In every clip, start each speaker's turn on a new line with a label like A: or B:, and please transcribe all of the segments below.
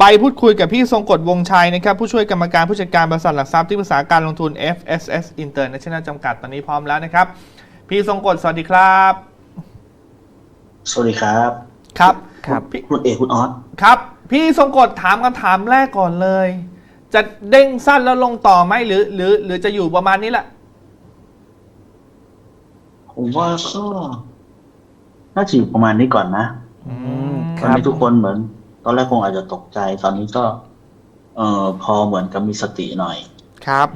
A: ไปพูดคุยกับพี่ทรงกฎวงชัยนะครับผู้ช่วยกรรมการผู้จัดการบริษัทหลักทรัพย์ที่ปรึกษาการลงทุน FSS International จำกัดตอนนี้พร้อมแล้วนะครับพี่ทรงกฎสวัสดีครับ
B: สวัสดีครับ
A: ครับ
B: คุณเอกคุณออส
A: ครับพี่ทรงกฎถามคำถามแรกก่อนเลยจะเด้งสั้นแล้วลงต่อไหมหรือจะอยู่ประมาณนี้แหละ
B: ผมว่าก็น่าจะอยู่ประมาณนี้ก่อนนะตอนนี้ทุกคนเหมือนตอนแรกคงอาจจะตกใจตอนนี้ก็พอเหมือนกับมีสติหน่อย
A: ครับ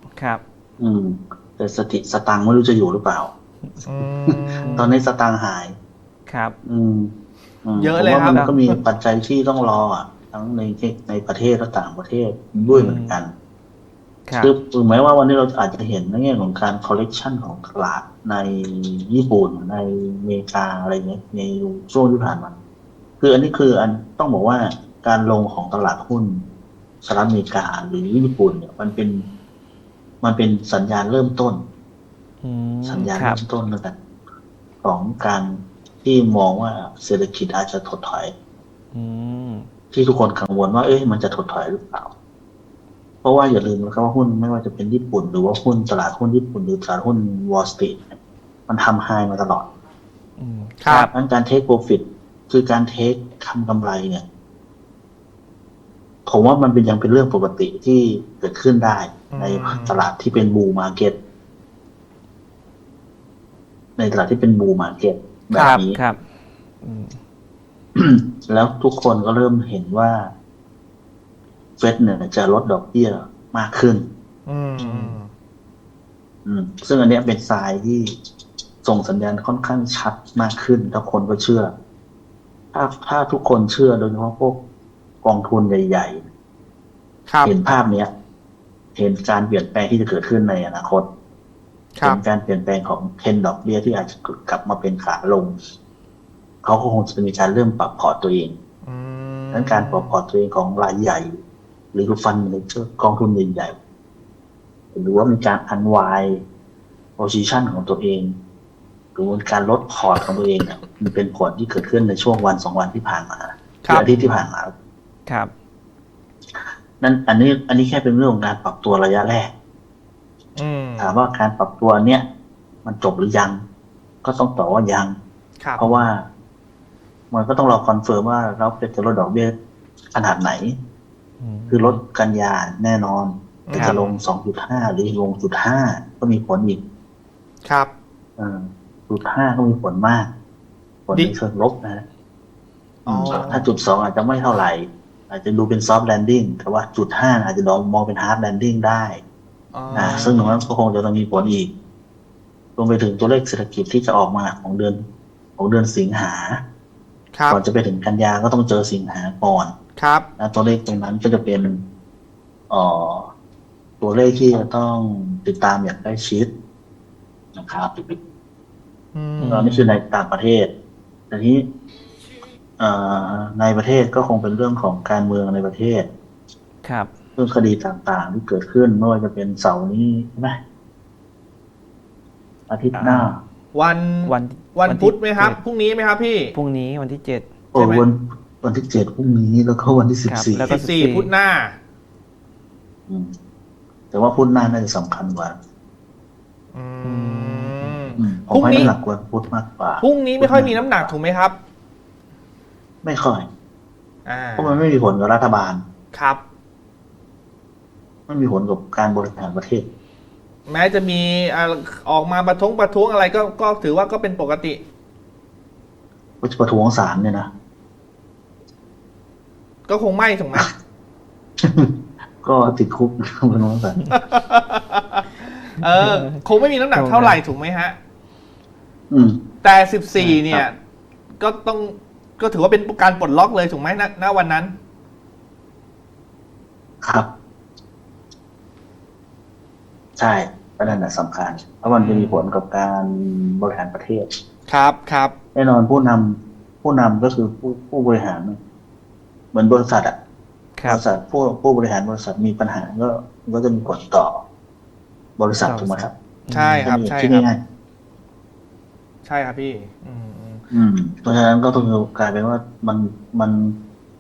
B: แต่สตังค์ไม่รู้จะอยู่หรือเปล่าตอนนี้สตังค์หาย
C: ครับ
A: เยอะเลยครับ
B: มันก็มีปัจจัยที่ต้องรอทั้งในประเทศและต่างประเทศด้วยเหมือนกันคือถึงแม้ว่าวันนี้เราอาจจะเห็นในแง่ของการคอลเลกชันของตลาดในญี่ปุ่นในอเมริกาอะไรเงี้ยในช่วงที่ผ่านมาคืออันนี้คือต้องบอกว่าการลงของตลาดหุ้นสหรัฐอเมริกาหรือญี่ปุ่นเนี่ยมันเป็นสัญญาณเริ่มต้นสัญญาณเริ่มต้นแล้วกันของการที่มองว่าเศรษฐกิจอาจจะถดถอยที่ทุกคนกังวลว่ามันจะถดถอยหรือเปล่าเพราะว่าอย่าลืมนะครับว่าหุ้นไม่ว่าจะเป็นญี่ปุ่นหรือว่าหุ้นตลาดหุ้นญี่ปุ่นหรือตลาดหุ้นวอลล์สตรีทมันทำไฮมาตลอด
A: ครับ
B: การเทคโปรฟิตคือการเทคทำกำไรเนี่ยผมว่ามันยังเป็นเรื่องปกติที่เกิดขึ้นได้ในตลาดที่เป็นบูมมาร์เก็ตในตลาดที่เป็นบูมมาร์เก็ตแบบนี้แล้วทุกคนก็เริ่มเห็นว่าเฟดเนี่ยจะลดดอกเบี้ยมากขึ้นซึ่งอันนี้เป็นทรายที่ส่งสัญญาณค่อนข้างชัดมากขึ้นแล้วคนก็เชื่อถ้าทุกคนเชื่อโดยเฉพาะพวกกองทุนใหญ่ๆเห็นภาพเนี้ยเห็นการเปลี่ยนแปลงที่จะเกิดขึ้นในอนาคตเห็นการเปลี่ยนแปลงของเทรนด์ดอกเบี้ยที่อาจจะกลับมาเป็นขาลงเขาก็คงจะมีการเริ่มปรับพอร์ตตัวเองดังการปรับพอร์ตตัวเองของรายใหญ่หรือฟันด์แมเนเจอร์กองทุนใหญ่ๆหรือว่ามีการอันไวโพซิชันของตัวเองหรือการลดพอร์ตของตัวเองเนี่ยมันเป็นผลที่เกิดขึ้นในช่วงวัน2 วันที่ผ่านมาอาทิตย์ที่ผ่านมา
C: ครับ
B: นั่นอันนี้แค่เป็นเรื่องของการปรับตัวระยะแรกถามว่าการปรับตัวเนี้ยมันจบหรือยังก็ต้องตอบว่ายังเพราะว่ามันก็ต้องรอคอนเฟิร์มว่าเราจะลดดอกเบี้ยขนาดไหนคือลดกันยาแน่นอนจะลง 2.5 หรือลง 0.5 ก็มีผลอีก
A: ครับ
B: 0.5 ก็มีผลมากผลในเชิงลบนะถ้า 0.2 อาจจะไม่เท่าไหร่อาจจะดูเป็นซอฟต์แลนดิ้งแต่ว่า 0.5 อาจจะมองเป็นฮาร์ดแลนดิ้งได้ซึ่งตรงนั้นก็คงจะต้องมีผลอีกรวมไปถึงตัวเลขเศรษฐกิจที่จะออกมาของเดือนสิงหาก่อนจะไปถึงกันยาก็ต้องเจอสิงหาก่อนนะตัวเลขตรงนั้นก็จะเป็นตัวเลขที่จะต้องติดตามอย่างใกล้ชิดนะครับนี่คือในต่างประเทศแต่ที่ในประเทศก็คงเป็นเรื่องของการเมืองในประเทศเรื่องคดีต่างๆที่เกิดขึ้นไม่ว่าจะเป็นเสาร์นี้ใช่ไหมอาทิตย์หน้า
A: วันพุธไหมครับพรุ่งนี้ไหมครับพี่
C: พรุ่งนี้วันที่7
B: วันที่7พรุ่งนี้แล้วก็วันที่14
A: แล้วก็14พุธหน้า
B: แต่ว่าพุธหน้าน่าจะสำคัญกว่าผมให้น้ำหนักกว่าพุธมากกว่า
A: พรุ่งนี้ไม่ค่อยมีน้ำหนักถูกไหมครับ
B: ไม่ค่อยเพราะมันไม่มีผลกับรัฐบาล
A: ครับ
B: ไม่มีผลกับการบริหารประเทศ
A: แม้จะมีออกมาประท้วงอะไรก็ถือว่าก็เป็นปกติ
B: ประท้วงศาลเนี่ยนะ
A: ก็คงไม่ถูกไหม
B: ก็ติดคุกประท้วงศาล
A: คงไม่มีน้ำหนักเท่าไหร่ถูกไหมฮะแต่14เนี่ยก็ถือว่าเป็นการปลดล็อกเลยถูกไหมณวันนั้น
B: ครับใช่ประเด็นสำคัญเพราะมันจะมีผลกับการบริหารประเทศ
A: ครับ
B: แน่นอนผู้นำก็คือผู้บริหารเหมือนบริษัทบริษัทผู้บริหารบริษัทมีปัญหาก็จะมีผลต่อบริษัทถูกไหมครับ
A: ใช่ครับใช่
B: ครับ
A: ใช่ครับพี่
B: เพราะฉะนั้นก็ต้องกลายเป็นว่ามัน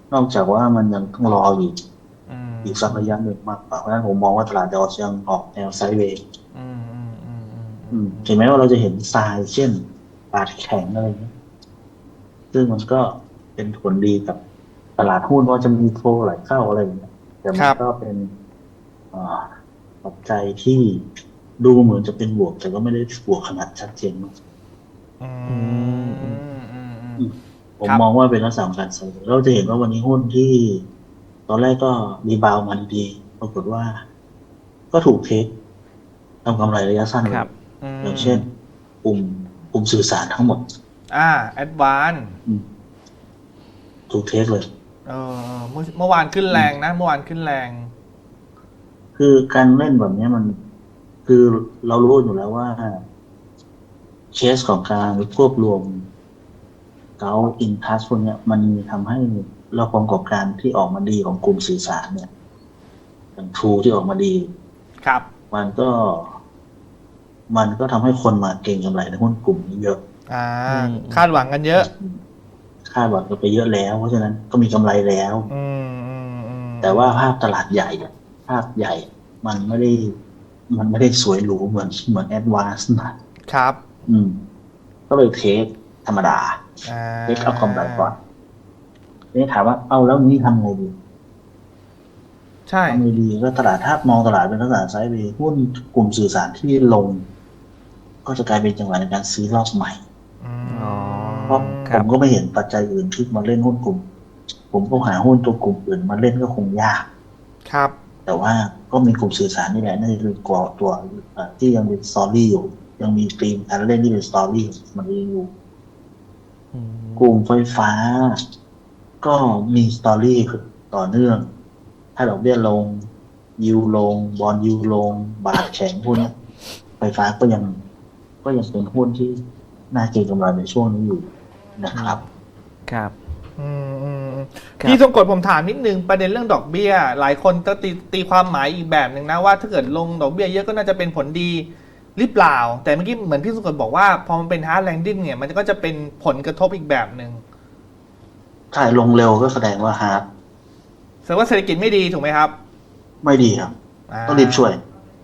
B: นอกจากว่ามันยังต้องรออยู่
A: อืม
B: อีกสักระยะหนึ่งมากกว่าเพราะฉะนั้นผมมองว่าตลาดดอทยังออกแนวไซด์เวย์
A: อืมอืมอืมอืม
B: ถึงแม้ว่าเราจะเห็นทรายเช่นบาทแข็งอะไรเงี้ยซึ่งมันก็เป็นผลดีกับตลาดหุ้นว่าจะมีโฟลไหลเข้าอะไรอย่างเงี้ยแต่มันก็เป็นอ่าปัจจัยที่ดูเหมือนจะเป็นบวกแต่ก็ไม่ได้บวกขนาดชัดเจนมาก
A: อืมอืมอืม
B: อืมผม
A: ครับ
B: มองว่าเป็นลักษณะของการไซด์เวย์เราจะเห็นว่าวันนี้หุ้นที่ตอนแรกก็รีบาวด์มันดีปรากฏว่าก็ถูกเทคทำกำไรระยะสั้นเล
C: ครั
B: ย
C: บ
B: อย่างเช่นกลุ่มกลุ่มสื่อสารทั้งหมด
A: แอดวานซ์
B: อืมถูกเทคเลย
A: เมื่อวานขึ้นแรงนะ เมื่อวานขึ้นแรง
B: คือการเล่นแบบนี้มันคือเรารู้อยู่แล้วว่าเคสของการควบรวมเกาอินทัสพวกเนี้ยมันมีทำให้เราผลประกอบการที่ออกมาดีของกลุ่มสื่อสารเนี่ยอย่างทรูที่ออกมาดี
A: ครับ
B: มันก็มันก็ทำให้คนมาเก็งกำไรในหุ้นกลุ่มนี้เยอะ
A: คาดหวังกันเยอะ
B: คาดหวังกันไปเยอะแล้ว เพราะฉะนั้นก็มีกำไรแล้ว
A: อืมอืมอืม
B: แต่ว่าภาพตลาดใหญ่อะภาพใหญ่ มันไม่ได้มันไม่ได้สวยหรูเหมือนแอดวานซ์นะครับ ก็เลยเทคธรรมดาเทคเอากำไรก่อนนี่ถามว่าเอาแล้วนี้ทำไงดี
A: ใช่
B: ทำไงดีก็ตลาดถ้ามองตลาดเป็นตลาดไซด์เวย์หุ้นกลุ่มสื่อสารที่ลง ก็จะกลายเป็นจังหวะในการซื้อรอบใหม่
C: อ๋อ
B: เพราะ
C: ค
B: ผ
C: รับ
B: มก็ไม่เห็นปัจจัยอื่นที่มาเล่นหุ้นกลุ่ม ผมก็หาหุ้นตัวกลุ่มอื่นมาเล่นก็คงยาก
A: ครับ
B: แต่ว่าก็มีกลุ่มสื่อสารนี่แหละน่าจะเป็นตัวที่ยังเป็นสตอรี่อยู่ ยังมีธีมการเล่นที่เป็นสตอรี่มันยังอยู่
C: อืม
B: กลุ่มไฟฟ้า ก็มีสตอรี่ต่อเนื่อง ถ้าดอกเบี้ยลงยิวลง บอลยิวลง บาทแข็งพวกเนี้ยไฟฟ้าก็ยังเป็นหุ้นที่น่าเก็งกำไรในช่วงนี้อยู่นะครับ
C: ครับ
A: อืมอืมอืม
C: ครับ
A: พี่ทรงกฎผมถามนิดนึงประเด็นเรื่องดอกเบี้ย หลายคนก็ตีความหมายอีกแบบหนึ่งนะว่าถ้าเกิดลงดอกเบี้ยเยอะก็น่าจะเป็นผลดีหรือเปล่า แต่เมื่อกี้เหมือนพี่ทรงกฎบอกว่าพอมันเป็นฮาร์ดแลนดิ้งเนี่ยมันก็จะเป็นผลกระทบอีกแบบหนึ่ง
B: ถ้าลงเร็วก็แสดงว่าฮาร์ด
A: แสดงว่าเศรษฐกิจไม่ดีถูกไหมครับ
B: ไม่ดีครับ ต้องรีบช่วย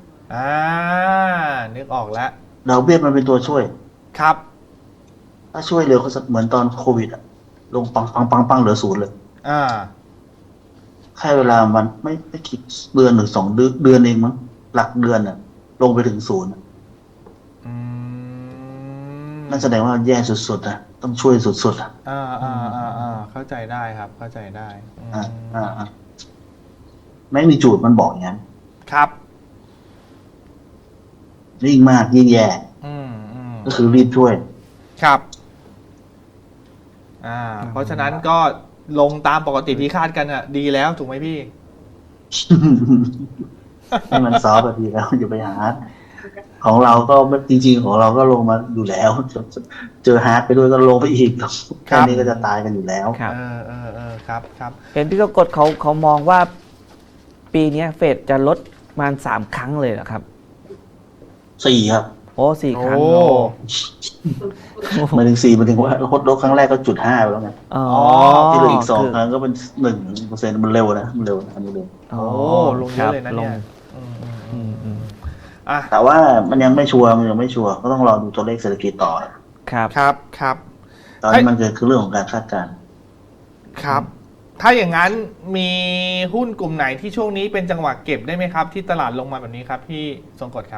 A: นึกออกแล้ว
B: ดอกเบี้ยมันเป็นตัวช่วย
A: ครับ
B: ถ้าช่วยเร็วก็เหมือนตอนโควิดอะลงปังเหลือศูนย์เลย
A: อ่า
B: แค่เวลามันไม่กี่เดือนหรือ2 เดือนเองมั้งหลักเดือนอะลงไปถึงศูนย์อะ
A: อืม
B: นั่นแสดงว่าแย่สุดๆนะต้องช่วยสุดๆอะ
A: เข้าใจได้ครับ เข้าใจได้อืม
B: อ่าไม่มีจูดมันบอกอย่างนั้น
A: ครับ
B: ยิ่งมากยิ่งแย่
A: อืม
B: ก็คือรีบช่วย
A: ครับ เพราะฉะนั้นก็ลงตามปกติที่คาดกันอ่ะ ดีแล้วถูกไหมพี่
B: ให้มันซอฟต์ดีแล้วอย่าไปหาร์ดของเราก็จริงๆของเราก็ลงมาอยู่แล้ว เจอฮาร์ดไปด้วยก็ลงไปอีกแค่นี้ก็จะตายกันอยู่แล้ว
C: ครับ
A: ครับ
C: เห็นพี่กกฎเขามองว่า ปีเนี้ยเฟดจะลดประมาณ3 ครั้งเลยเหรอครับ
B: 4 ครับ
C: โอ้4 ครั้ง
A: โอ้
B: หมายถึง4หมายถึงว่าลดครั้งแรกก็0.5ไปแล้วไง
C: อ๋อ
B: ที่เหลืออีก
C: คื
B: 2 ครั้งก็เป็น1%มันเร็วนะมันเร็วนะอันนี้เร็ว
C: อ๋อ
A: ลงเยอะเลยนะเนี่ย
C: ครับลงอืม
A: อ่ะ
B: แต่ว่ามันยังไม่ชัวร์ก็ต้องรอดูตัวเลขเศรษฐกิจต่อ
C: ครับ
A: ครับ
B: ตอนนี้มันคือเรื่องของการคาดการณ์
A: ครับ ถ้าอย่างนั้นมีหุ้นกลุ่มไหนที่ช่วงนี้เป็นจังหวะเก็บได้ไหมครับ ที่ตลาดลงมาแบบนี้ครับพี่ทรงกฎครับ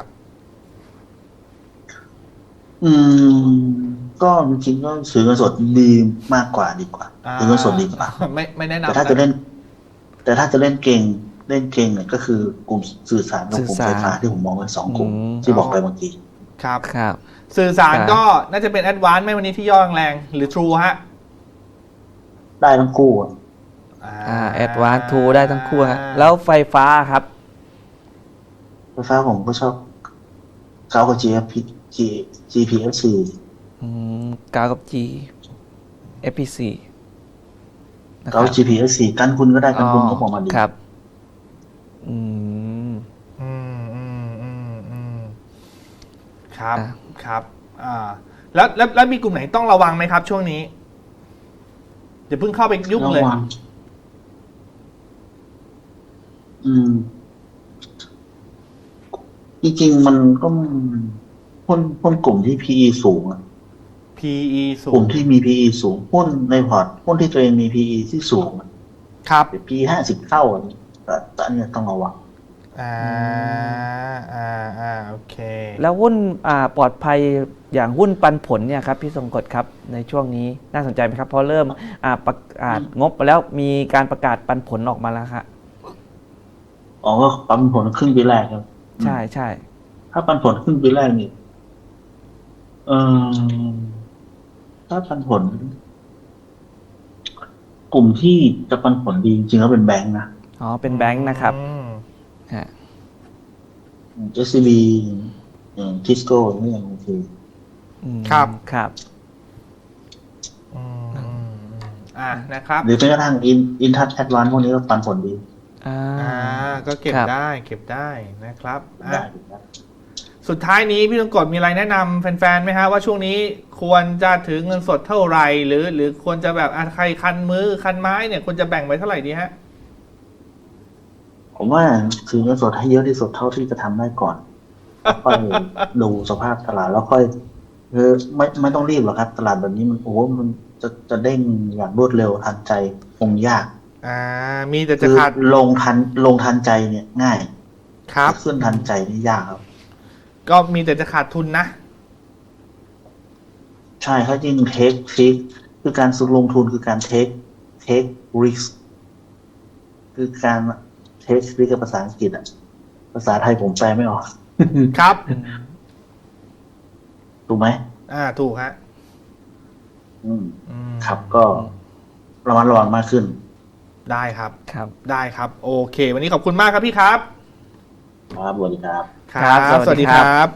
B: ก็จริงๆก็ซื้อเงินสดดีมากกว่าดีกว่าซื้อเงินสดดีกว่า
A: ไม่แนะนำ
B: แต่ถ้าจะเล่นเก่งเนี่ยก็คือกลุ่มสื่อสารกับกลุ่มไฟฟ้าที่ผมมองเป็น2 กลุ่มที่บอกไปเมื่อกี้
A: ครับ
C: ครับ
A: สื่อสาร
C: ครับ
A: ก็น่าจะเป็นแอดวานซ์ไหมวันนี้ที่ย่อแรงๆหรือ True ฮะ
B: ได้ทั้งคู่อะ
C: แอดวานซ์ทูได้ทั้งคู่ฮะแล้วไฟฟ้าครับ
B: ไฟฟ้าผมก็ชอบเก้ากับ GPFC
C: กาวกับ G FPC นะค
B: เก้า
C: รับ
B: GPFC กันคุณก็ได้กันคุณก็มองมาดี
C: ครับ อืม
A: ครับ
C: อ่ะ
A: ครับแล้วมีกลุ่มไหนต้องระวังไหมครับ ช่วงนี้อย่าเพิ่งเข้าไปยุ่งเลย
B: ระวังอืม จริงๆมันก็หุ้นกลุ่มที่ PE สูงอะ
A: PE สู
B: กลุ่
A: ง
B: มที่มี PE สูงหุ้นในพอร์ตหุ้นที่ตัวเองมี PE ที่สูงอะ
A: ครับ
B: PE 50 เท่าอันนี้แต่อันนี้ต้องระวัง
A: โอเค
C: แล้วหุ้นปลอดภัยอย่างหุ้นปันผลเนี่ยครับพี่ทรงกฎครับในช่วงนี้น่าสนใจไหมครับเพราะเริ่มประกาศงบไปแล้วมีการประกาศปันผลออกมาแล้วครับ
B: อ๋อก็ปันผลครึ่งปีแรกครับ
C: ใช่ใช่
B: ถ้าปันผลครึ่งปีแรกนี่เออถ้าปันผล กลุ่มที่จะปันผลดีจริงๆแล้วเป็นแบงค์นะ
C: อ๋อเป็นแบงค์นะครับ
A: อืม
C: ฮะ
B: SCB ทิสโก้นี่ยังโอเค
C: อืม
A: ครับ
C: ครับ
A: นะครับ
B: หรือแม้กระทั่งอินทัชแอดวานพวกนี้ก็ปันผลดี
A: ก็เก็บ
C: ครับ
A: ได้นะครับ
B: ได้นะ
A: สุดท้ายนี้พี่ต้องกดมีอะไรแนะนำแฟนๆไหมฮะว่าช่วงนี้ควรจะถือเงินสดเท่าไหร่หรือควรจะแบบใครคันมือคันไม้เนี่ยควรจะแบ่งไว้เท่าไหร่ดีฮะ
B: ผมว่าถือเงินสดให้เยอะที่สุดเท่าที่จะทำได้ก่อนค่อยดูสภาพตลาดแล้วค่อยไม่ต้องรีบหรอกครับ ตลาดแบบนี้มันมันจะเด้งอย่างรวดเร็วทันใจคงยาก
A: มีแต่จะ
B: คือ
A: ขาด
B: ลงทันใจเนี่ยง่าย
A: ครับ
B: แต่ขึ้นทันใจนี่ยากครับ
A: ก็มีแต่จะขาดทุนนะ
B: ใช่เขาจริงเทคคือการสุดลงทุนคือการเทคริสคือการเทคริสกับภาษาอังกฤษอ่ะภาษาไทยผมแปลไม่ออก
A: ครับ
B: ถูกไหม
A: ถูกฮะ
B: ครับก็ระมัดระวังมากขึ้น
A: ได้ครับ
C: ครับ
A: ได้ครับ โอเค วันนี้ขอบคุณมากครับพี่ครับ
B: ครับสวัสดีครับ
C: ครับ
A: สวัสดีครับ